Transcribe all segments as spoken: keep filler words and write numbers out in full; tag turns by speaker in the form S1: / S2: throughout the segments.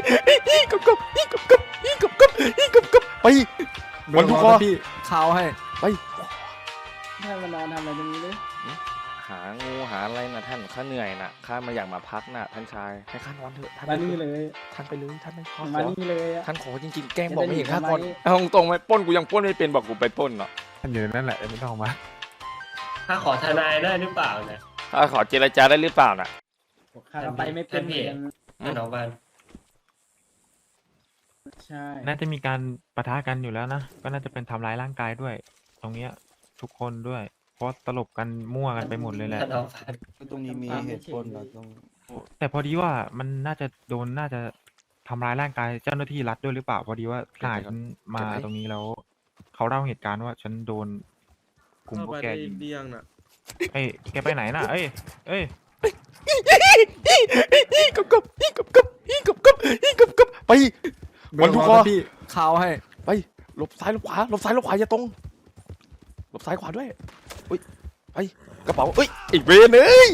S1: กับกับกับกับกับกับกับกับไปวันทุกข้อพี่ข่าวให้ไป
S2: ท่านมานอนทำอะไรตรงนี้เลย
S1: หางูหาอะไรนะท่านข้าเหนื่อยนะข้ามาอยากมาพักนะท่านชายให้ข้านอนเถอะท่าน
S2: มานี่เลย
S1: ท่านไปเลยท่านไม่ขอ
S2: มานี่เลย
S1: ท่านขอจริงๆแกล้งบอกไม่เห็นข้าก่อนเอาตรงไหมป้นกูยังป้นไม่เป็นบอกกูไปป้นเนาะ
S3: ท่านอยู่นั่นแหละไม่ต้องมา
S4: ถ้าขอทนายได้หรือเปล่าเนี่ย
S1: ถ้าขอเจรจาได้หรือเปล่าน่ะ
S2: ข้าไปไม่เป็นเหมือน
S4: ท่านออกบ้าน
S2: ใช่
S3: น่าจะมีการปะทะกันอยู่แล้วนะก็น่าจะเป็นทำร้ายร่างกายด้วย ตรงเนี้ยทุกคนด้วยเพราะตลบกันมั่วกันไปหมดเลยแหละ
S5: ตรงนี้มีเหตุผลเราต้อง
S3: แต่พอดีว่ามันน่าจะโดนน่าจะทำร้ายร่างกายเจ้าหน้าที่รัฐด้วยหรือเปล่าพอดีว่าทหารฉันมาตรงนี้แล้วเขาเล่าเหตุการณ์ว่าฉันโดนกลุ่มพวกแกยิงเอ้ยแกไปไหนน่ะเอ้ยเอ้ย
S1: กับกับกับกับกับกับกับกับไปวันทุกข้อพี่ข่าวให้ไปหลบซ้ายหลบขวาหลบซ้ายหลบขวาอย่าตรงหลบซ้ายขวาด้วยอุ้ยไปกระเป๋าเอ้ยอีกเวรเลย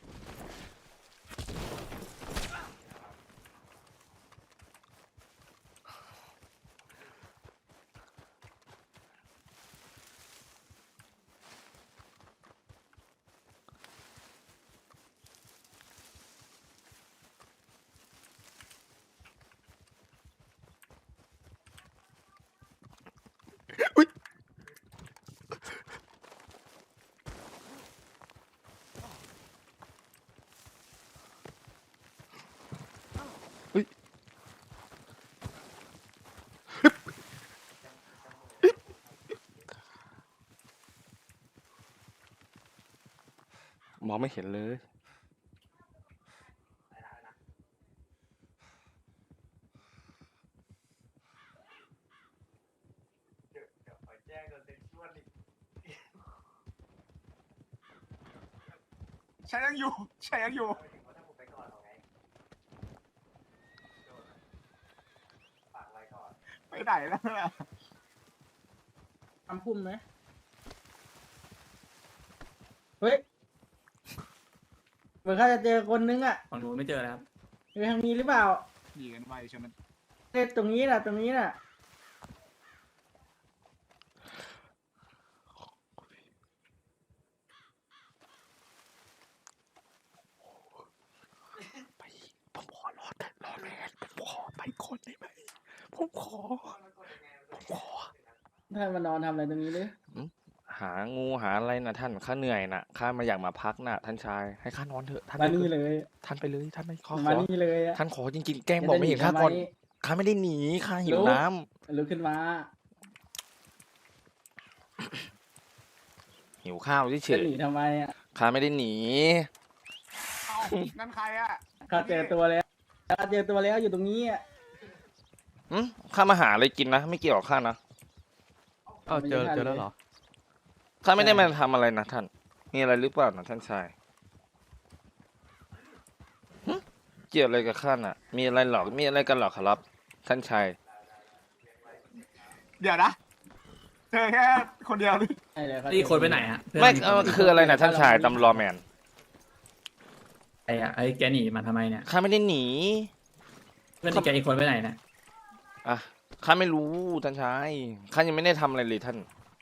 S1: มองไม่เห็นเลย
S6: ใช้ยังอยู่ใช้ยังอยู่ไปไหนแล้วล่ะ
S2: ทำพุ่มไหมเฮ้ยเหมือนเขาจะเจอคนนึงอ่ะ
S4: ฝั่งนู้นไม่เจอแล้ว
S2: อยู่ทางนี้หรือเปล่า
S6: ดีกันไวใช่ไหม
S2: เตรงนี้น่ะตรงนี้น่ะ
S1: ไปผมขอรอดรอแม่ผมขอไปคนได้ไหมผมขอผมขอ
S2: ท่านมานอนทำอะไรตรงนี้เลย
S1: หางูหาอะไรนะท่านข้าเหนื่อยนะข้ามาอยากมาพักนะท่านชายให้ข้านอนเถอะท่าน
S2: มานี่เลย
S1: ท่านไปเลยท่านไม่ขอ
S2: มานี่เลย
S1: ท่านขอจริงๆแกล้งบอกไม่เห็นข้าก่อนข้าไม่ได้หนีข้าหิวน้
S2: ำลุกขึ้นมา
S1: หิวข้าวเฉย
S2: ๆหนีทำไมอ่ะ
S1: ข้าไม่ได้หนี
S6: นั่นใครอ่ะ
S2: ข้าเจอตัวแล้วข้าเจอตัวแล้วอยู่ตรงนี้อ่ะ
S1: อืมข้ามาหาอะไรกินนะไม่เกี่ยวกับข้านะ
S3: เอ้าเจอเจอแล้วเหรอ
S1: ข้าไม่ได้มาทำอะไรนะท่านมีอะไรหรือเปล่านะท่านชายเกี่ยวอะไรกับข้าน่ะมีอะไรหรอกมีอะไรกันหรอครับท่านชาย
S6: เดี๋ยวนะเจอแค่คนเดียว
S4: นี่คนไปไหนฮะ
S1: ไม่คืออะไรนะท่านชายตำรวจแมน
S4: ไอ้อะไอ้แกหนีมาทำไมเนี่ย
S1: ข้าไม่ได้หนี
S4: เพื่อนแกอีกคนไปไหนนะ
S1: อ่ะข้าไม่รู้ท่านชายข้ายังไม่ได้ทำอะไรเลยท่าน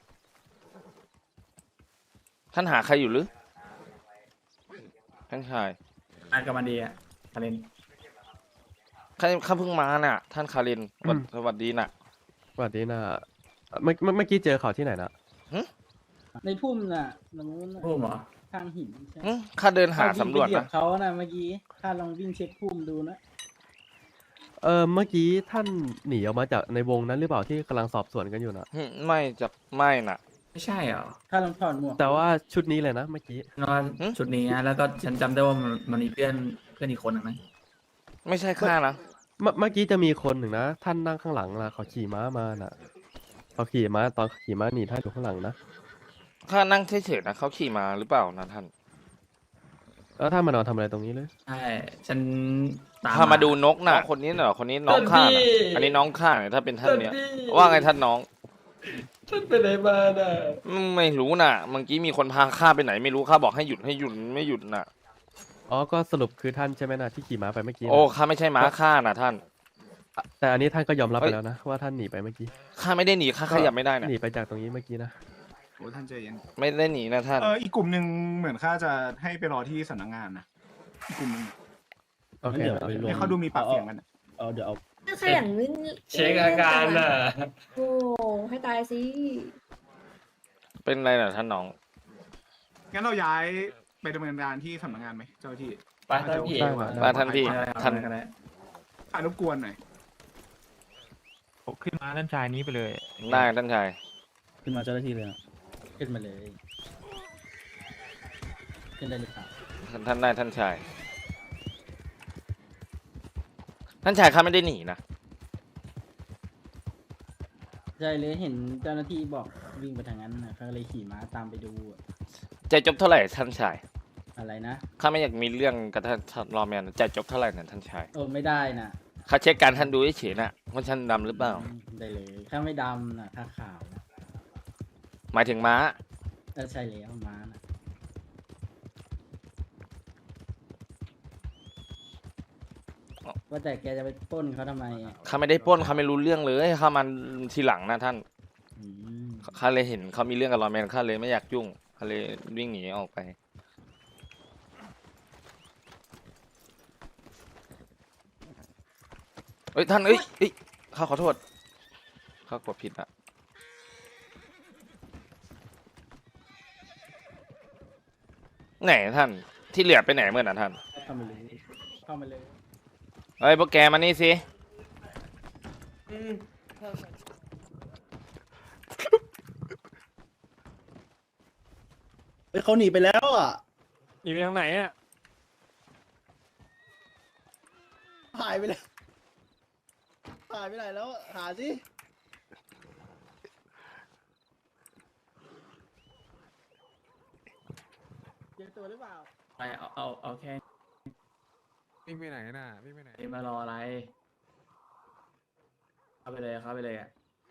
S1: ท่านหาใครอยู่หรือท่านชาย
S4: อ่านกับมันดีอะคาริน
S1: ข้าข้าเพิ่งมาน่ะท่านคารินสวัสดีน่ะ
S3: สวัสดีนะเมื่อเมื่อกี้เจอเขาที่ไหนนะ
S2: ในพุ่มน่ะตรงนู้น
S4: พุ่มเหรอ
S2: ทางหินใช่
S1: ข้าเดินหาสำรวจนะ
S2: เขาน่ะเมื่อกี้ข้าลองวิ่งเช็คพุ่มดูนะ
S3: เออเมื่อกี้ท่านหนีออกมาจากในวงนั้นหรือเปล่าที่กำลังสอบสวนกันอยู่นะ
S1: ไม่จะไม่น่ะ
S4: ไม่ใช่เหรอ
S2: ข้าลองถอดหมวก
S3: แต่ว่าชุดนี้เลยนะเมื่อกี้
S4: นอนชุดนี้นะแล้วก็ฉันจำได้ว่ามันมันมีเพื่อนเพื่อนอีกคนนะไหม
S1: ไม่ใช่ข้านะ
S3: เมื่อกี้จะมีคนหนึ่งนะท่านนั่งข้างหลังนะเขาขี่ม้ามาน่ะเขาขี่ม้าตอนขี่ม้าหนีท่านอยู่ข้างหลังนะ
S1: ข้านั่งเฉยๆนะเขาขี่มาหรือเปล่านะท่าน
S3: แล้วท่านมานอนทำอะไรตรงนี้เลย
S4: ใช่ฉัน
S1: พามาดูนกน่ะคนนี้เหรอคนนี้น้องข้าอันนี้น้องข้าเนี่ยถ้าเป็นท่านเนี้ยว่าไงท่านน้อง
S4: ท่านไปไหนมาน่ะ
S1: ไม่รู้น่ะเมื่อกี้มีคนพาข้าไปไหนไม่รู้ข้าบอกให้หยุดให้หยุดไม่หยุดน่ะ
S3: อ๋อก็สรุปคือท่านใช่ไหมนะที่ขี่ม้าไปเมื่อกี้
S1: โอ้ข้าไม่ใช่ม้าข้าน่ะท่าน
S7: แต่อันนี้ท่านก็ยอมรับไปแล้วนะว่าท่านหนีไปเมื่อกี้
S1: ข้าไม่ได้หนีข้าขยับไม่ได้นะ
S7: หนีไปจากตรงนี้เมื่อกี้นะ
S6: โอ้ท่านใจเย็น
S1: ไม่ได้หนีนะท่าน
S6: เอออีกกลุ่มหนึ่งเหมือนข้าจะให้ไปรอที่สำนักงานนะอีกกลุ่มหนึง
S7: โอเค
S5: เดี๋ยว
S7: โอ
S5: ไป
S7: เค
S5: รวม
S6: เนี่ยเขาดูมีปากเสียงกันอะ
S5: เอาเดี๋ยวเอา
S8: ถ้าขยันวิ่ง
S9: เช็คอาการน่ะ
S8: โอ้ให้ตายสิ
S1: เป็นไรน่ะท่านน้อง
S6: งั้นเราย้ายไปดำเนินการที่สำนักงานไหมเจ้าหน้าที่
S9: ไปท่านพี่
S7: ได้มา
S1: มาท่านพี่
S4: ได้ครับ
S1: ท่าน
S4: ได้ก็ได้
S6: อารบกวนหน่อย
S3: ผมขึ้นมาด้านชายนี้ไปเลย
S1: ได้ท่านชาย
S5: ขึ้นมาเจ้าหน้าที่เลยนะ
S2: ขึ้นมาเลย ขึ้นได้หรือเปล่า
S1: ท่านท่านได้ท่านชาย ท่านชายข้าไม่ได้หนีนะ
S2: ใช่เลยเห็นเจ้าหน้าที่บอกวิ่งไปทางนั้นนะเขาก็เลยขี่ม้าตามไปดูอะ
S1: ใจจบเท่าไหร่ท่านชาย
S2: อะไรนะ
S1: ข้าไม่อยากมีเรื่องกับท่านท่านรอแมนใจจบเท่าไหร่นะท่านชาย
S2: โอ้ไม่ได้นะ
S1: ข้าเช็คการท่านดูเฉยๆนะว่าท่านดำหรือเปล่า
S2: ได้เลยถ้าไม่ดำนะถ้าขาวนะ
S1: หมายถึงม้า
S2: เออใช่แล้วม้านะว่าแต่แกจะไปปล้นเขาทำไมอะ
S1: ข้าไม่ได้ปล้นข้าไม่รู้เรื่องเลยข้ามันทีหลังนะท่าน
S2: อืม
S1: ข้าเลยเห็นเขามีเรื่องกับรอแมนข้าเลยไม่อยากยุ่งข้าเลยวิ่งหนีออกไป เอ้ยท่านเอ้ยเอ้ยข้าขอโทษข้ากดผิดอะไหนท่านที่เหลือไปไหนเมื่อน่ะท่าน
S2: เข้ามาเลยเข้ามาเลย
S1: เฮ้ยพวกแกมานี่สิ
S5: เฮ้ยเขาหนีไปแล้วอ่ะ
S9: หนีไปทางไหนอ่ะ
S5: หายไปแล้วหายไปไหนแล้วหาสิ
S2: เจอตัวหรือเปล่า
S4: ไปเอาเอาเอาแค่
S3: วิ่งไปไหนน่ะวิ่งไปไหน
S4: นี้มารออะไร เข้าไปเลยเข้าไปเลยอ่ะ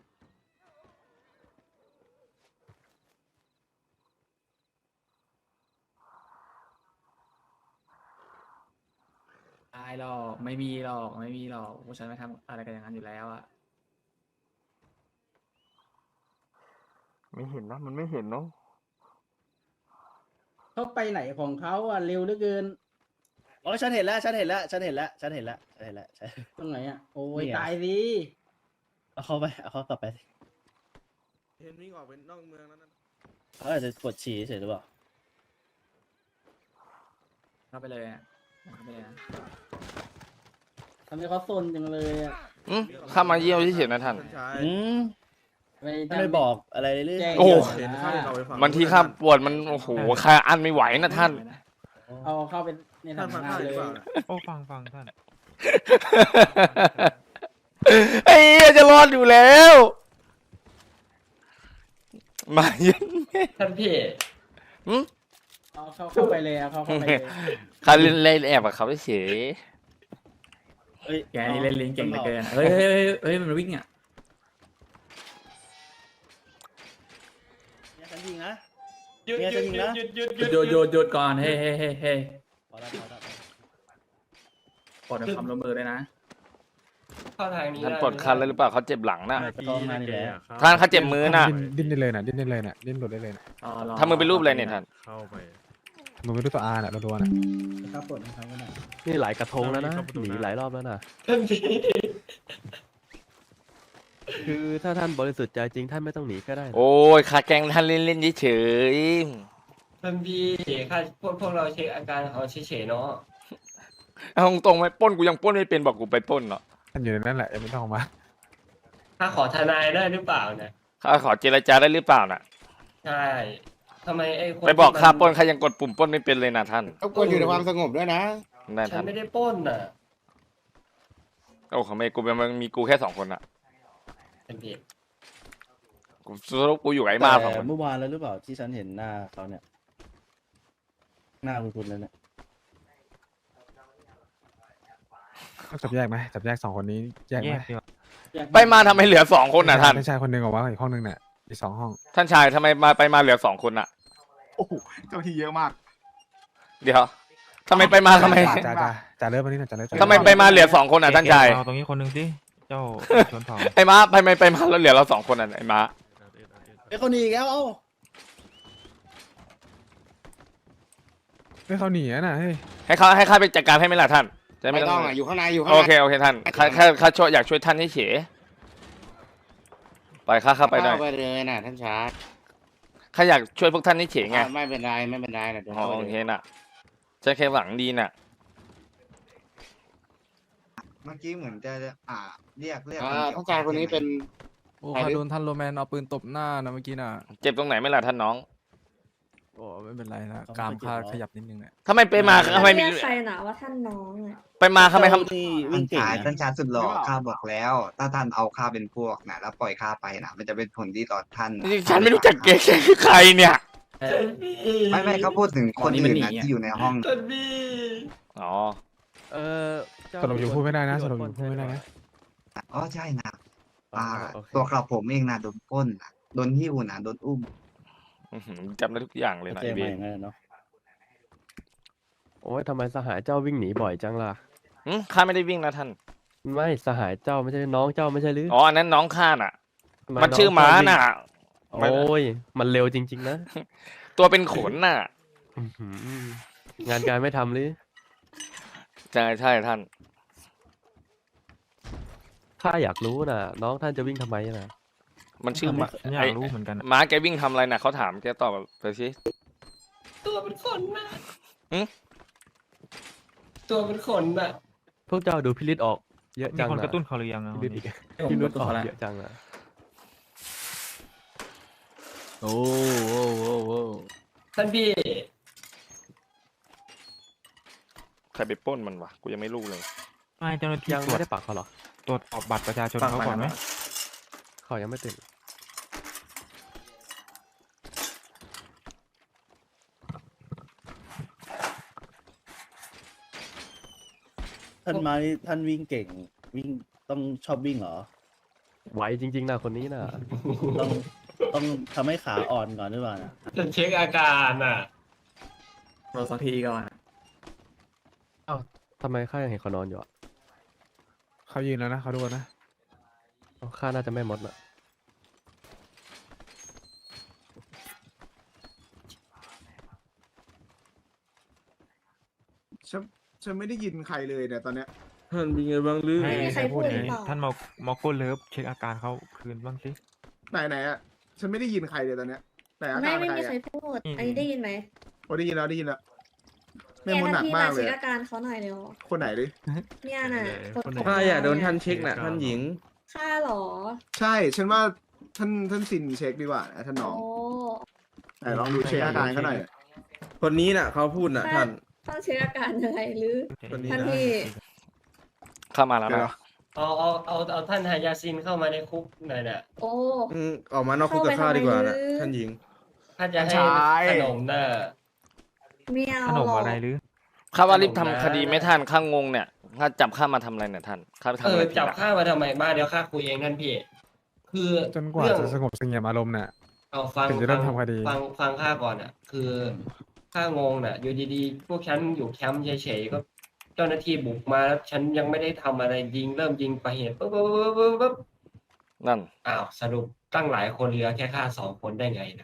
S4: ตายหรอกไม่มีหรอกไม่มีหรอกพวกฉันไม่ทำอะไรกันอย่างนั้นอยู่แล้วอ่ะ
S1: ไม่เห็นนะมันไม่เห็นเนาะ
S2: เขาไปไหนของเขาอ่ะเร็วเหลือเกิน
S5: อ๋อฉันเห็นแล้วฉันเห็นแล้วฉันเห็นแล้วฉันเห็นแล้วฉันเห็นแล้วฉัน
S2: ตรงไหนอ่ะโอ้ย
S5: นี่ไง
S2: ตายสิ
S5: เอาเขาไปเอาเขากลับไปสิ
S9: เห็นวิ่งออกไปนอกเมืองแล้วนั่น
S5: เขาอาจจะปวดฉี่เฉยหรือเปล่า
S4: เข้าไปเลยอ่ะเข้าไปเลยนะ
S2: ทำไมเขาซนจังเลยอ่ะ
S1: อืมข้ามาเยี่ยมเฉยๆนะท่าน
S5: อืม
S2: ไม่
S5: ท่านไม่บอกอะไรเลยหรือ
S2: แจ้ง
S1: โอ้
S2: เห็น
S1: บางทีข้าปวดมันโอ้โหข้าอันไม่ไหวนะท่าน
S2: เอาเข้าไปในสำนักงานเลย
S3: โอ้ฟังฟังท่าน
S1: ไอ้เหี้ยจะรอดอยู่แล้ว มาเย็น
S9: ท่านพี่
S1: อืม
S2: เอาเข้าเข้าไปเลยเอาเข้าเข้าไปเลย
S1: ข้าเล่นเล่นแอบกับเขาเฉย
S5: เฮ้ย
S4: แกนี่เล่นลิ้นเก่งเหลือเกินเฮ้ยเฮ้ยเฮ้ยเฮ้ยมันวิ่งอ่ะ
S5: เนี่ยฉันยิงนะ
S9: หยุด
S5: เนี่ย
S9: หยุ
S5: จะ
S9: ด
S5: ยิง
S9: หยุ
S5: นะ
S9: ดหยุดหยุด
S4: หยุดหยุดหยุดหยุดก่อนเฮ้ยเฮ้ยเฮ้ยเฮ้ย
S5: พอแล้วพอแล้ว
S4: ปลดความร่วมมือเลยนะ
S9: เข้าทางนี้
S1: ท่าน
S9: ได้
S1: ปลดคันเลยหรือเปล่าเขาเจ็บหลังน่ะ
S5: ไปเข้าห้องน้ำนี่แหละ
S1: ท่านเขาเจ็บมือน่ะ
S3: ดิ้นได้เลยน่ะดิ้นได้เลยน่ะดิ้นหลุดได้เลยน่ะ
S4: รอรอ
S1: ทำมือเป็นรูปอะไรเนี่ยท่าน
S3: เข้าไปหนูไม่รู้ตัวอาน่ะเราโดนน่ะ
S2: ครับปลดให้เขาก็ได้
S7: นี่หลายกระทงแล้วนะหนีหลายรอบแล้วนะ
S9: ท่านพี่
S7: คือถ้าท่านบริสุทธิ์ใจจริงท่านไม่ต้องหนีก็ได้นะ
S1: โอ้ยข้าแกล้งท่านเล่นๆเฉย
S9: ท่านพี่ข้าพวกพวกเราเช็คอาการเขาเฉยๆเนาะ
S1: ๆเอาตรงๆไหมปล้นกูยังปล้นไม่เป็นบอกกูไปปล้นเนาะ
S3: ท่านอยู่ในนั้นแหละยังไม่ต้องออกมา
S9: ข้าขอทนายได้หรือเปล่าเนี่ย
S1: ข้าขอเจรจาได้หรือเปล่าน่ะ
S9: ใช่ทำไมไอ้คน
S1: ไปบอก
S9: ที่
S1: ข้า
S9: มัน
S1: ปล้นข้ายังกดปุ่มปล้นไม่เป็นเลยนะท่าน
S6: รบกวนอยู่ในความสงบด้วยนะ
S1: ได้
S9: ฉั
S1: ท่าน น
S9: ไม่ได้ปล้นน่ะ
S1: โอ้เขาไม่กูเป็นมันมีกูแค่สองคนอะ
S9: ท่านพี่
S1: กูสรุปกูอยู่กับไอ้มาสองค
S5: แต่
S1: น
S5: เมื่อวานแล้วหรือเปล่าที่ฉันเห็นหน้าเขาเนี่ย หน้าคุณคุณเลยเนี่ย
S3: ต้องจับแยกไหมจับแยกสองคนนี้แยก
S4: แย
S3: ไหม
S4: กดีกว่า
S1: ไปมาทำไมเหลือสองคนน่ะท่าน
S3: ไม่ใช่คนหนึ่งออกมาอีกห้องหนึ่งน่ะอีกสองห้อง
S1: ท่านชายทำไมมาไปมาเหลือสองคนน่ะ
S6: โอ้โหเจ้าที่เยอะมาก
S1: เดี๋ยวทำไมไปมาทำไม
S3: จ่าจ่าจ่าเริ่มมานี่หน่อยจ่าเริ่ม
S1: ทำไมไปมาเหลือสองคนน่ะท่านชาย
S3: เอาตรงนี้คนหนึ่งสิเจ้าชนเผ่า
S1: ไอ้ม้าไปไปไปมาแล้วเหลือเราสองคนอ่ะไอ้ม้า
S5: ไอ้คนหนีอีกแล้วเอ้า
S10: ให้เขาหนีอะนะเฮ้ย
S1: ให้เขาให้ข้าไปจัดการให้ไหมล่ะท่านจะ
S11: ไม่ต้องอ่ะอยู่ข้างในอยู่ข้าง
S1: โอ
S11: ใน
S1: เคโอเคท่านข้าข้าข้าช่วยอยากช่วยท่านให้เฉยไปข้าข้าไปหน่อย
S11: เข้าไปเลยนะท่านชาร์จ
S1: ข้าอยากช่วยพวกท่านให้เฉยไง
S11: ไม่เป็นไรไม่เป็นไรนะเดี๋ยว
S1: อ๋อ
S11: เข้าไป
S1: โอ
S11: เล
S1: เค
S11: ย
S1: น่ะฉันแค่หวังดีน่ะ
S12: เมื่อกี้เหมือนจะอ่าเรียกเรียก
S11: อ่าท่านชายคนนี้เป็น
S10: โอ้ข้าโดนท่านโรแมนเอาปืนตบหน้านะเมื่อกี้น่ะ
S1: เจ็บตรงไหนไหมล่ะท่านน้อง
S10: โอ้ไม่เป็นไรนะกรามข้าขยับนิดนึงเนี่ย
S1: ทำไมไปมาทำไมมี
S8: เรียกใครนะว่าท่านน้องอ่ะ
S1: ไปมาทำไมท
S5: ที่
S12: ท่า
S5: วิ่
S12: น
S5: งเก่ง
S12: ชาย
S5: อะ
S12: ท่านชายสุดหล่อข้าบอกแล้ว ถ้าท่านเอาข้าเป็นพวกนะแล้วปล่อยข้าไปนะมันจะเป็นผลดีต่อท่านนะ
S1: ำฉันไม่รู้จักเก๋คือใครเนี่ย
S12: ไม่ไม่เขาพูดถึงคนอื่นนะที่อยู่ในห้อง
S9: ท่านพี่
S1: อ๋อ
S7: เออเจ้า
S10: สรุปอยู่พูดไม่ได้นะส
S7: โ
S10: รุปอยู่พูดไม่ได้นะ
S12: อ๋อใช่นะ
S7: อ๋อ
S12: อ่า
S7: โอเค
S12: ตัวกระผมเองนะโดนปล้นนะโดนหิ้วนะโดนอุ้ม
S1: อื้อหือจำได้ทุกอย่างเลยนะ
S5: เจ
S1: ไอ้
S5: อ
S1: เบ
S5: มาน อย่างนั้นเนาะ
S7: โอ้ยทำไมสหายเจ้าวิ่งหนีบ่อยจังล่ะ
S1: อืมข้าไม่ได้วิ่งนะท่าน
S7: ไม่สหายเจ้าไม่ใช่น้องเจ้าไม่ใช่หรือ
S1: อ๋ออันนั้นน้องข้าน่ะ
S7: ทำไ
S1: มันชื่อม้า
S7: องเจ้วิ่ง
S1: น่ะ
S7: โอ้ยมันเร็วจริง ๆ นะ
S1: ตัวเป็นขนน่ะ
S7: อื้อหืองานการไม่ทำหรือ
S1: ใช่ใช่ท่าน
S7: ข้าอยากรู้นะน้องท่านจะวิ่งทำไมนะ
S1: มันชื่อม้า
S3: ฉันอยากรู้เหมือนกันอะ
S1: ม้าแกวิ่งทำอะไรน่ะเขาถามแกตอบไปสิ
S9: ตัวเป็นขนน่ะ
S1: หึ
S9: ตัวเป็นขนน่ะ
S7: พวกเจ้าดูพิริตออกเยอะ
S3: มี
S7: จัง
S3: คน
S7: นะ
S3: กระตุ้นเขาหรือยังอะ
S7: พิริตอีก
S2: ผม
S7: พิ
S2: รู้
S7: ริต
S2: ตัว
S7: ออก
S2: แล้ว
S7: เยอะจังนะ
S10: โอ้โอ้โอ้โอ้
S9: ท่านพี่
S1: ใครไปปล้นมันวะกูยังไม่รู้เลย
S3: ไม่เจ้าหน้าที่
S7: ยัง
S3: ตรว
S7: ไม่
S3: จ
S7: ได้ปักเขาเหรอ
S3: ตรวจสอบบัตรประชาชนเขาก่อนไหม
S7: เขายังไม่ตื่น
S5: ท่านมานี่ท่านวิ่งเก่ง วิ่งต้องชอบวิ่งเหรอ
S7: ไหวจริง ๆนะคนนี้นะ
S5: ต้องต้องทำให้ขาอ่อนก่อนหรือเปล่านะ
S9: จะเช็คอาการน่ะ
S4: รอสักทีก่อน
S7: ทำไมข้ายังเห็นเขานอนอยู่อ่ะ
S10: เขายืนแล้วนะเขาดูนะ
S7: อ๋อข้าน่าจะไม่มดนะ
S6: ฉันฉันไม่ได้ยินใครเลยเนี่ยตอนเนี้ย
S10: ท่านเป็นไงบ้างลือ
S3: ให้
S8: ไม่มีใคร
S3: ให้พูด
S8: พูดหรือ
S3: นี้
S8: เปล่า
S3: ท่านมอมอโก้เลิฟเช็คอาการเขาคืนบ้างสิ
S6: ไหนไหนอ่ะฉันไม่ได้ยินใครเลยตอนเนี้ยแต่อา
S8: ไม่
S6: การ
S8: ไม่
S6: ใคร
S8: มีใคร
S6: อ่ะ
S8: พูด อันนี้ได้ยินไหม
S6: โอ้ได้ยินแล้วได้ยินแล้วแม่
S8: เนี่ย
S6: มดหนั
S8: ท่าน
S6: ก
S8: พี่
S6: มาม
S8: าก
S6: เล
S8: เช็
S6: ย
S8: ค
S6: อะ
S8: อาการเขาหน่อยเร็ว
S6: คนไหนดิ
S8: เนี่ยน่ะคน
S10: ข้าอยากโดนท่าน
S8: เ
S10: เช็คน่ะท่านหญิง
S8: ข้าเหรอ
S6: ใช่ฉันว่าท่านท่านซินเช็คดีกว่านะท่านน้อง
S8: โอ้
S6: ไหนลองดูเช็คอาการเขาหน่อย
S10: คนนี้น่ะเขาพูดน่ะท่าน
S8: ต้องเช็คอาการยังไงหรือ
S10: คนนี้
S8: ท่าน
S10: นะ
S8: พี่
S1: เข้ามาแล้ว
S6: เดี๋ยว
S1: นะ
S9: เอาเอาเอาเอาท่านฮายาซินเข้ามาในคุกหน่อยน่ะ
S8: โอ้
S10: อืมออกมานอกคุกกับข้าดีกว่าน่ะ
S8: เข้าไปทำไม
S10: ท่านหญิง
S9: ถ้าจะให้
S6: ใช่
S9: ขนมน่ะ
S8: ไม่เอา
S3: ขนม
S8: หรอก
S3: อะไรหรือ
S1: ข้าว่ารีบ
S9: ขนมนะ
S1: ทำคดีไม่ท่านข้างงเนี่ยข้าจับข้ามาทำอะไรเนี่ยท่านข้าไปทำ
S9: เอ
S1: อะ
S9: อ
S1: ไรผิด
S9: จับ
S1: อะ
S9: ข้ามาทำไมมาเดี๋ยวข้าคุยเองท่านพี่ คือ
S10: จนกว่า
S9: เรื่อง
S10: จะสงบเสงี่ยมอารมณ์น่ะ
S9: เอาฟัง
S10: ถึงจะเริ่
S9: ฟั
S10: ม
S9: ง
S10: ทำคดี
S9: ฟังฟังข้าก่อนอ่ะ คือข้างงน่ะ อยู่ดีๆ พวกฉันอยู่แคมป์เฉยๆก็เจ้าหน้าที่บุกมาแล้วฉันยังไม่ได้ทำอะไรยิงเริ่มยิงไปเหตุปุ๊บปุ๊บปุ๊บปุ๊บปุ๊บ
S1: นั่น
S9: อ้าวสรุปตั้งหลายคนเหลือแค่ข้าสองคนได้ไงนะ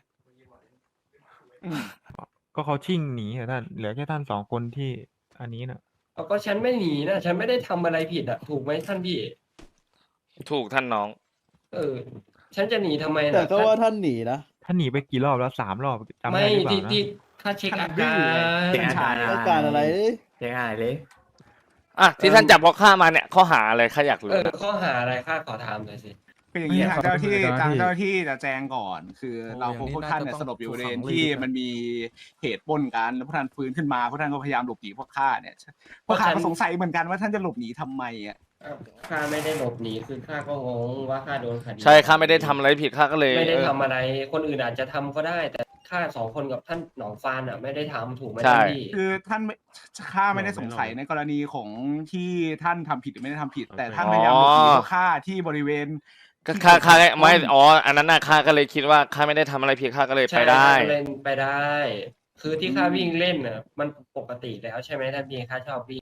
S3: ก็เขาชิ่งหนีอะท่านเหลือแค่ท่านสองคนที่อันนี้น่ะ
S9: เอาก็ฉันไม่หนีนะฉันไม่ได้ทำอะไรผิดอ่ะถูกไหมท่านพี่
S1: ถูกท่านน้อง
S9: เออ ฉันจะหนีทำไมนะ
S5: แต่ก็ว่าท่านหนีนะ
S3: ท่านหนีไปกี่รอบแล้วสามรอบจำ
S9: ไม่
S3: ได้หรือเปล่า
S9: ที่
S3: นะ
S9: ที่ข้าเช็คอา
S6: ดื้
S9: กา
S6: อไง
S9: ร
S4: เช็คอาการ
S5: ต้องการอะไร
S4: เช็คอะไรเลย
S1: อ่ะที่ท่านจับเพราะข้ามาเนี่ยข้อหาอะไรข้าอยากรู้
S9: เออ
S1: นะ
S9: ข้อหาอะไรข้าขอถามหน่อยสิ
S6: คืออย่างนี้
S10: ไม่
S6: ทางเจ้าหน้าที่
S10: ขอโทษ
S6: ทาง
S10: เจ้า
S6: เจ้า
S10: ห
S6: ห
S10: น้า
S6: น้า
S10: ที่
S6: ที่จะแจ้งก่อน คือ
S10: โอ้
S6: เรา
S10: อย่างนี้
S6: พวกท่านเนี่ย
S10: น่า
S6: ส
S10: จะ
S6: ลบอยู่บริเวณ
S10: ต้อง
S6: ที่
S10: ถูกขังเลย
S6: มันมีเหตุปล้นกันแล้วพวกท่านฟื้นขึ้นมาพวกท่านก็พยายามหลบหนีพวกข้าเนี่ยพวกข้าก็สงสัยเหมือนกันว่าท่านจะหลบหนีทำไมอ่ะ
S9: อ้าวข้าไม่ได้หลบหนีคือข้าก็งงว่าข้าโดนคดี
S1: ใช่ข้าไม่ได้ทำอะไรผิดข้าก็เลย
S9: ไม่ได้
S1: เออ
S9: ทำอะไร คนอื่นอาจจะทำก็ได้ แต่ข้าสองคนกับท่านหนองฟานอ่ะ ไม่ได้ทำถูกไหม
S1: ใช่
S9: ท่านพี่
S6: คือท่านไม่ข้าไม่ได้สงสัยในกรณีของที่ท่านทำผิดหรือไม่ได้ทำผิด แต่ท่านพยายามหลบหนีพวกข้าที่บริเวณ
S1: ก็ข้าข้าไม่อ๋ออันนั้นน่ะข้าก็เลยคิดว่าข้าไม่ได้ทำอะไรผิดข้าก็เลย
S9: ใช่
S1: ไปได้
S9: ข้าก็เล่นไปได้ คือที่ข้าวิ่งเล่นอ่ะ มันปกติแล้วใช่ไหมท่านพี่ข้าชอบวิ่งอ่ะ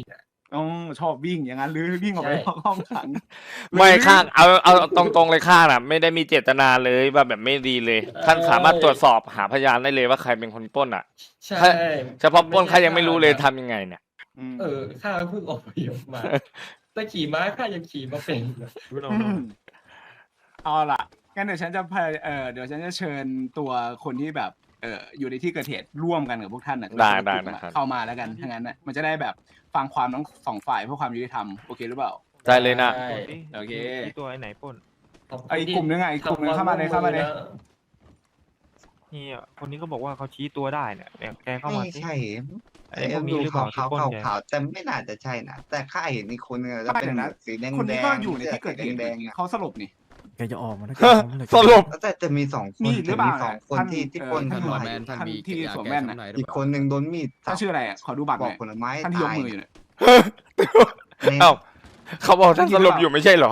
S6: ต้องชอบวิ่งอย่างนั้นหรือวิ่งออกไปนอกห้องขัง
S1: ไม่ข้างเอาเอาตรงๆเลยข้างน่ะ ไม่ได้มีเจตนาเลยว่าแบบไม่ดีเลยท่านสามารถตรวจสอบหาพยานได้เลยว่าใครเป็นคนปล้นอ่ะ
S9: ใช่
S1: เฉพาะปล้นข้ายังไม่รู้เลยทำยังไงเนี่ย
S6: อืม
S9: เออข้าเพิ่งออกไปมาแต่ขี่ม้าข้ายังขี่มาเป็น
S6: อืมเอาล่ะงั้นเดี๋ยวฉันจะพาเออเดี๋ยวฉันจะเชิญตัวคนที่แบบเอออยู่ในที่เกิดเหตุร่วมกันกับพวกท่านน่ะ
S1: ได้
S6: คือ
S1: ได้
S6: กลุ่ม
S1: นะครับ
S6: เข้ามาแล้วกันถ้างั้นน่ะมันจะได้แบบฟังความทั้งสองฝ่ายเพื่อความยุติธรรมโอเคหรือเปล่า
S1: ได้เลยนะ
S9: ใช่
S6: โอเค
S3: ที่ตัวไอ้ไหนปล้น
S9: ขบคุณ
S6: ไอ้กลุ่มนึงไงอีกกลุ่มนึงเข้ามาเลยเข้ามาเลย
S3: นี่อ่ะคนนี้ก็บอกว่าเขาชี้ตัวได้เนี่ยเนี่ยแกเข้ามา
S12: ไม่
S3: สิ
S12: ใช่
S3: ไอ้พวกนี้
S12: ดู
S3: หรือเป
S12: ขา
S3: ล่าว ที่
S12: ขาว
S3: ปล้น
S12: ขาว
S3: แก
S12: ขาวแต่ไม่น่าจะใช่นะแต่ข้าเห็นอีกคนนึงแล้วเป็น
S6: ไม่เดี๋ยวนะ
S12: สีแดง
S6: คนนี้
S12: แด
S6: ก็
S12: ง
S6: อยู่ในที่เกิดเหตุ
S12: แดงๆอะ
S6: เขาสลบนี่
S10: แกจะออกมานะ
S1: สรุป
S12: แต่จะมีสองคน
S6: มีหรือเปล่า
S12: จะมีสองคน
S6: ท่าน
S12: ที่ที่
S6: เอ่อ
S12: ปล้น
S6: ท่าน
S12: เข้ามา
S6: หัวแมน ท่านที่สวมแว่นน่ะ
S12: อีกคนหนึ่งโดนมีด
S6: ท่านชื่ออะไรอ่ะขอดูบัตร
S12: ป
S6: ห
S12: อ
S6: น่
S12: ก
S6: อย
S12: ผลไม้
S6: ท่านที่ยก
S12: ตาย
S6: มืออยู่เนี่ย
S12: เนี่ย
S1: เอ้าเขาบอกท่านสรุปอยู่ไม่ใช่เหรอ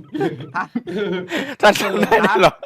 S6: ท่าน
S1: ท่านทำได้ด้วยเหรอ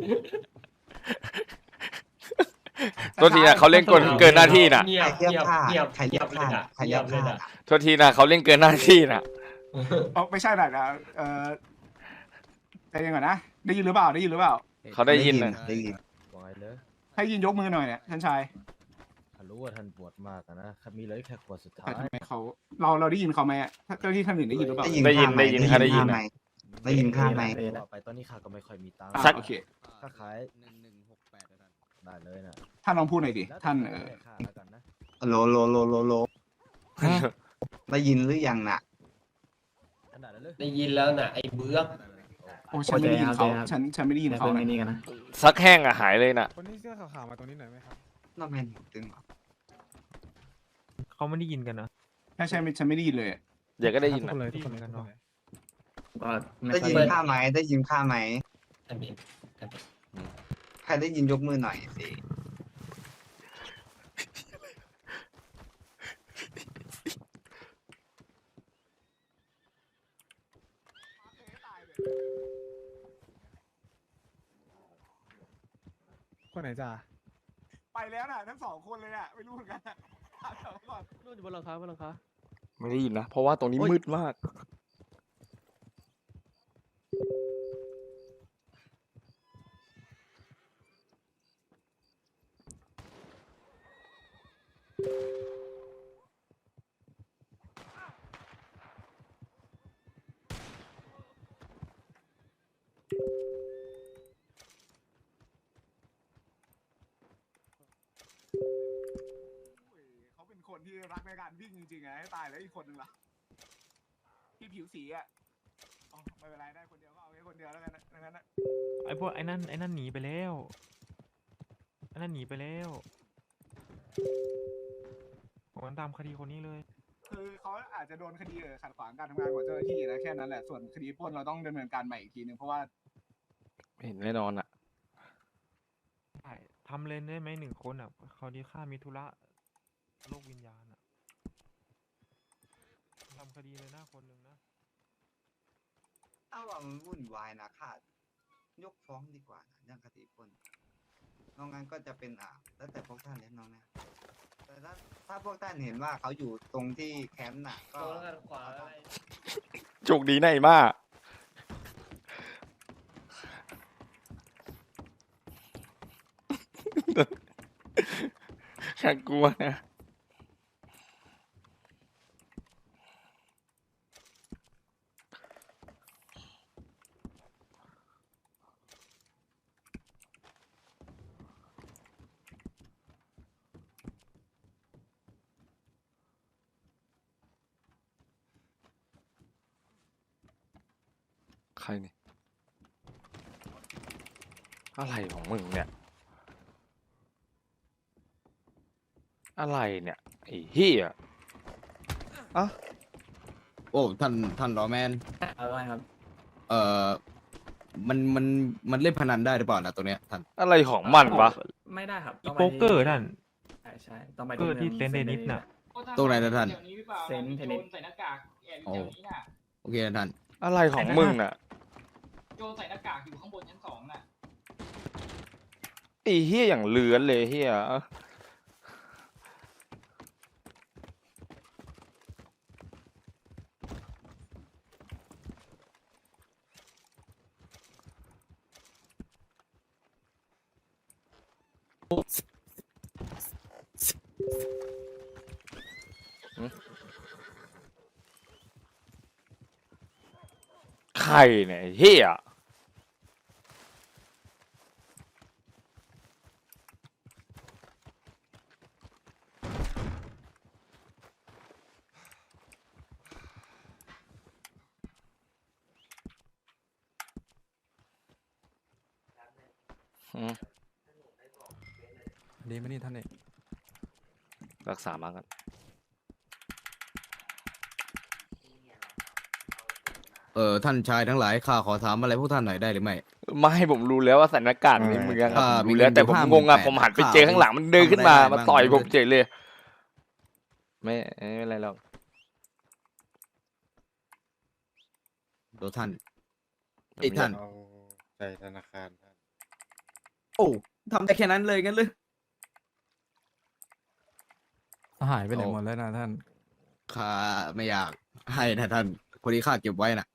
S1: ตัวทีนะเขาเล่นเกินเกินหน้าที่น่ะ
S9: เงีย
S12: ใคร
S9: บ
S12: เรียก
S9: เงียบ
S12: ฆ่า
S9: เงียบ
S12: ใครเรียกฆ่า
S9: งีบ
S12: ใครเรียก
S9: เลย
S12: ฆ่า
S9: นะ
S1: ตัวทีนะเขาเล่นเกินหน้าที่น่ะ
S6: อ๋อไม่ใช่หรอกนะเออใจเย็นก่อนนะได้ยินหรือเปล่าได้ยินหรือเปล่า
S1: เขาได้ยินนะ
S12: ได้ยิน
S7: ว่าไงเลย
S6: ให้ยินยกมือหน่อยเนี่ยท่านชาย
S7: ข้ารู้ว่าท่านปวดมากอะนะข้ามีเหลยแค่ขวดสุดท้า
S6: แต่
S7: ย
S6: ทำไมเขาเราเราได้ยินเขาไหมอะถ้าเจ้าที่ท่านอื่นได้ยินหรือเปล่า
S1: ได้ยินได้ยินค่ะได้ยิน
S12: ข้าไหมได้ยินข้าไหม
S7: ต่อไปตอนนี้ข้าก็ไม่ค่อยมีตังค์
S6: อ่ะ
S1: สัก
S6: โอเค
S7: ข้าขายหนึ่งหนึ่งหกแปดได้เลยนะ
S6: ท่านลองพูดหน่อยดิ
S7: แล้วแต่
S6: ท่าน
S7: จะ
S6: เออ
S7: ให้ข้าแล้วกันนะ
S12: โลโลโลโลโลได้ยินหรือยังน่ะ
S7: ขนาดนั้นเลย
S9: ได้ยินแล้วน่ะไอ้เบื้อก
S6: โอ้ฉันไม่ได้ยินเขาฉันฉันไม่ได้ยินเขานะ
S1: ซักแห้งอะหายเลยน่ะ
S10: คนนี้เสื้อขาวๆมาตรงนี้หน่อยไหมครับ
S12: น้องแมนตึงเหรอ
S3: เขาไม่ได้ยินกันนะ
S6: ใช่ใช่ไม่ฉันไม่ได้ยินเลยอะ
S1: เดี๋ยวก็ได้ยิน
S10: ทุก
S1: น่ะ
S10: คนเลยทุกคนเลย
S3: ได้ยินกันเนอะ
S12: ได้ยินข้าไหมได้ยินข้าไหม
S9: ท่านเห็นท่านเห็น
S12: ใครได้ยินยกมือหน่อยสิ
S10: คนไหนจ้า
S6: ไปแล้วน่ะทั้งสองคนเลยอ่ะไม่รู้เหมือนกันอะถามเขาก่อน
S7: นู่นอยู่บนหลังคาบนหลังคา
S1: ไม่ได้ยินนะ เพราะว่าตรงนี้มืดมาก
S6: เขาเป็นคนที่รักในการวิ่งจริงๆไงให้ตายแล้วอีกคนนึงล่ะที่ผิวสีอ่ะอ๋อไม่เป็นไรได้คนเดียวก็เอาแค่คนเดียวแล้วกันนะดังนั้นนะ
S3: ไอ้พวกไอ้นั่นไอ้นั่นหนีไปแล้วไอ้นั่นหนีไปแล้วผมตามคดีคนนี้เลย
S6: คือเขาอาจจะโดนคดีเออขัดขวางการทำงานของเจ้าหน้าที่นะแค่นั้นแหละส่วนคดีปล้นเราต้องดำเนินการใหม่อีกทีนึงเพราะว่า
S1: เห็นแน่นอนอ่ะ
S3: ใช่ทำเลนได้ไหมหนึ่งคนอ่ะเขาดีค่ามีธุระโลกวิญญาณอ่ะทำคดีเลยหน้าคนหนึ่งนะ
S12: ถ้าว่ามันวุ่นวายนะค่ะยกฟ้องดีกว่านะเรื่องคดีปล้นนอกนั้นก็จะเป็นอ่าแล้วแต่พวกท่านเล่นน้องนะแต่ถ้าถ้าพวกท่านเห็นว่าเขาอยู่ตรงที่แคมป์น่ะก็
S9: ตัวแล้วกันขวาอะไร
S1: โชคดีนะไอ้มากแค่กลัวนะ ใครนี่ อะไรของมึงเนี่ย อะไรเนี่ย ไอ้เหี้ยอ่ะ
S11: โอ้ท่านท่านรอแมน
S4: อะไรครับ
S11: เอ่อมันมันมันเล่นพนันได้หรือเปล่านะตัวเนี้ยท่าน
S1: อะไรของมันวะ
S4: ไม่ได้ครับ
S3: อีโป๊กเกอร์ท่าน
S4: ใช่ใช่ต้องไป
S3: เกอร์ที่เซนต์เดนิสน่ะ
S11: ตรงไหนนะท่าน
S4: เซนเทนนิส
S11: โอ้โอเคนะท่าน
S1: อะไรของมึงน่ะ
S2: โจใส่หน้ากากอยู่ข้างบนชั้นสองน่ะ
S1: ไอ้เหี้ยอย่างเลือนเลยเหี้ยใครเนี่ยไอ้เฮียอืม
S10: ดีไหมนี่ท่านเอก
S1: รักษามากัน
S11: เออท่านชายทั้งหลายข้าขอถามอะไรพวกท่านหน่อยได้หรือไม่
S1: ไม่ให้ผมรู้แล้วว่าใส่หน้ากากในเมืองอะ
S11: อ่า
S1: ผมรู้แล้วแต่ผม
S11: มีเงิน
S1: งงอะ
S11: อยู่
S1: ผมหันไป
S11: ห้าหมื่น
S1: เจอข้างหลังมันเดินขึ้นมา
S11: ทำอะไรได้
S1: มาต่อย
S11: บ้าง
S1: ผมเฉยเลย ไม่ไม่เป็นไรหรอก
S11: โดท่านไอ้ท่าน
S10: ใจธนาคารท่าน
S11: โอ้ทำได้แค่นั้นเลยงั้นเลย
S10: หายไปไหนหมดแล้วนะท่าน
S11: ข้าไม่อยากให้นะท่านคนที่ข้าเก็บไว้น่ะ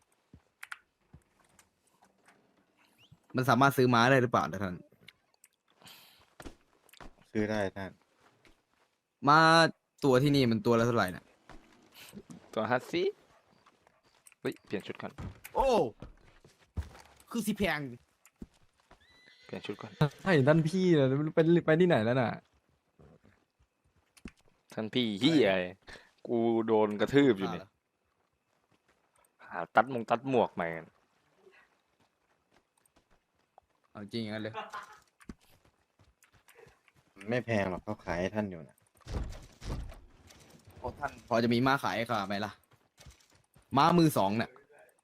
S11: มันสามารถซื้อม้าได้หรือเปล่านะท่าน
S10: ซื้อได้ท่าน
S11: ม้าตัวที่นี่มันตัวละเท่าไหร่น่ะ
S1: ตัวฮัตซี่เฮ้ยเปลี่ยนชุดก่อน
S11: โอ้คือสิแพง
S1: เปลี่ยนชุดก่อน
S10: ให้ท่านพี่เลยไปไปที่ไหนแล้วน่ะ
S1: ท่านพี่เฮียไอ้กูโดนกระทืบอยู่เนี่ยหาตัดมงตัดหมวกใหม่กัน
S11: เอาจริงอย่างนั้นเลย
S10: ไม่แพงหรอกเขาขายให้ท่านอยู่นะ
S11: โอ้ท่านพอจะมีม้าขายให้ข้าไหมล่ะ ม้ามือสองเนี่ย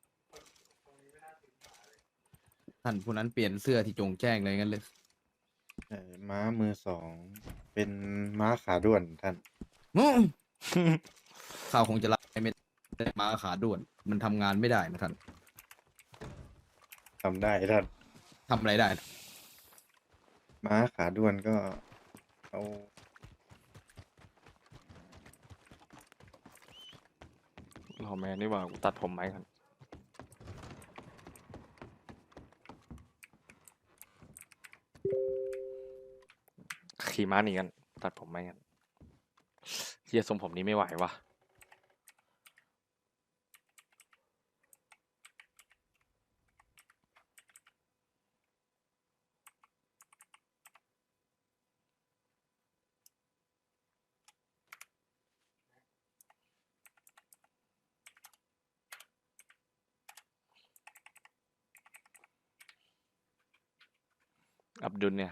S11: ท่านผู้นั้นเปลี่ยนเสื้อที่จงแจ้งเลยงั้นเลย
S10: เออม้ามือสองเป็นม้าขาด้วนท่าน
S11: อื้อ ข้าคงจะรับไม่ได้ม้าขาด้วน มันทำงานไม่ได้นะท่าน
S10: ทำได้ท่าน
S11: ทำอะไรได้นะ
S10: ม้าขาด้วนก็เอา
S1: รอแมนนี่หว่ากูตัดผมไหมกันขี่ม้าหนีกันตัดผมไหมกันเฮียทรงผมนี้ไม่ไหววะอับดุลเนี่ย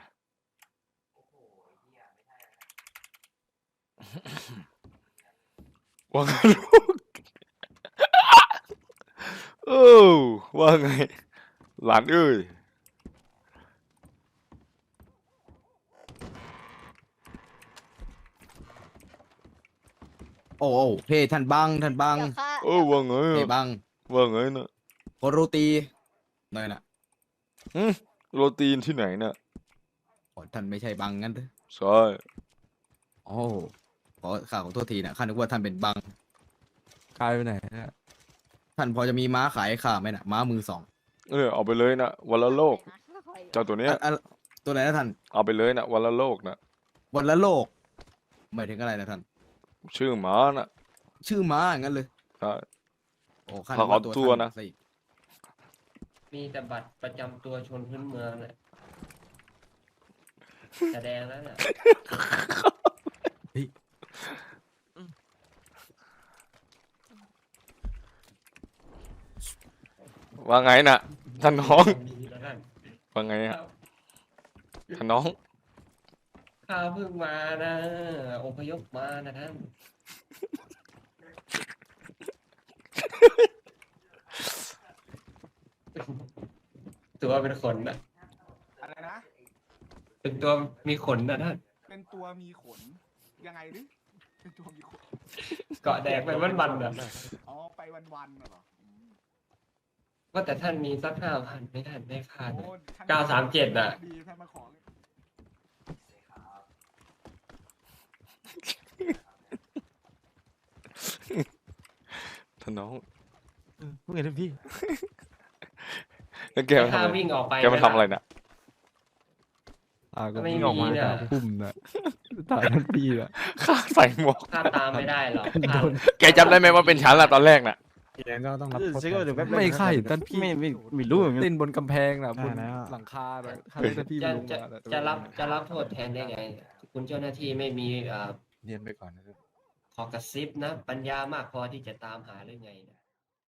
S1: ว่าไงลูก เออว่าไง หลานเอ้ย
S11: โอ้โอ้เฮ้ท่านบังท่านบัง
S1: เออว่าไง
S11: เฮ้
S1: อะ
S11: บัง
S1: ว่าไงนะ
S11: ขอโรตีหน่อยนะ
S1: อืมโรตีนที่ไหนน่ะ
S11: อ๋อท่านไม่ใช่บังงั้นเถอะ
S1: ใช่
S11: โอ้ขอข้าขอโทษทีนะข้านึกว่าท่านเป็นบัง
S10: กลายไปไหนเนี่ย
S11: ท่านพอจะมีม้าขายให้ข้าไหมนะม้ามือสอง
S1: เออเอาไปเลยนะวันละโลก เจ้าตัวเนี้ย
S11: อ่ะอ่ะตัวไหนนะท่าน
S1: เอาไปเลยนะวันละโลกนะ
S11: วันละโลกหมายถึงอะไรนะท่าน
S1: ชื่อหมาน่ะ
S11: ชื่อม้าอย่างนั้นเลย
S1: ใช่
S11: โอ้ข้า
S1: ขอ
S11: นึกว่า
S1: ขอตั
S11: ตัว ว
S1: นะ
S11: ท่านซอีก
S9: มีแต่บัตรประจำตัวชนพื้นเมืองแหละแสดงแล้วน่ะ
S1: ว่าไงน่ะท่านน้อง
S9: แล้วท่าน
S1: ว่าไงอะท่านน้อง
S9: ข้าเพิ่งมานะอพยพมานะท่าน ตัวเป็นขนนะ
S6: อะไรนะ
S9: เป็นตัวมีขนนะท่าน
S6: เป็นตัวมีขน ยังไงหรือเป็นตัวมีขน
S9: เกาะแดกไปวันๆนะ
S6: อ๋อ ไปวันๆน่ะเหรออืม
S9: ว่าแต่ท่านมีสักห้าพันไม่ท่านได้ค่า
S6: โอ้
S9: หน่อย
S6: ท่น
S9: เก้าสามเจ็ดน่ะ
S6: ดีท่านมาขอ
S1: ท่านน้อง
S10: เพิ่งเห็นท่านพี่
S1: แล้วแกมาทำ
S9: ค่า
S1: อะไร
S9: วิ่งออกไป
S1: แกมาทำอะไรน่ะ
S7: อ่าก็
S9: ไม่
S7: วิ่ง
S9: มี
S7: ออกมา
S9: เนี่ย
S7: จากพุ่มน่ะถ่ายทันทีอ่ะ
S1: ข้าใส่หมวก
S9: ข้าตามไม่ได้หรอกข้า
S1: แกจำได้ไหมว่าเป็นฉันล่ะตอนแรกน่ะ
S13: ก็ต้องรับ
S7: ไม่ใช่ท่านพี่ไม่ไม่ไม่รู้เต้นบนกำแพงน่ะบนหลังคาน่ะท่านท่านพี่
S9: จะ
S7: ไม่ลง
S9: จะ
S7: มาน่
S9: จะรับจะรับโทษแทนได้ไง คุณเจ้าหน้าที่ไม่มีเอ่อ
S1: เรียนไปก่อนนะครับ
S9: ขอกระซิบนะ ปัญญามากพอที่จะตามหาหรือไงนะ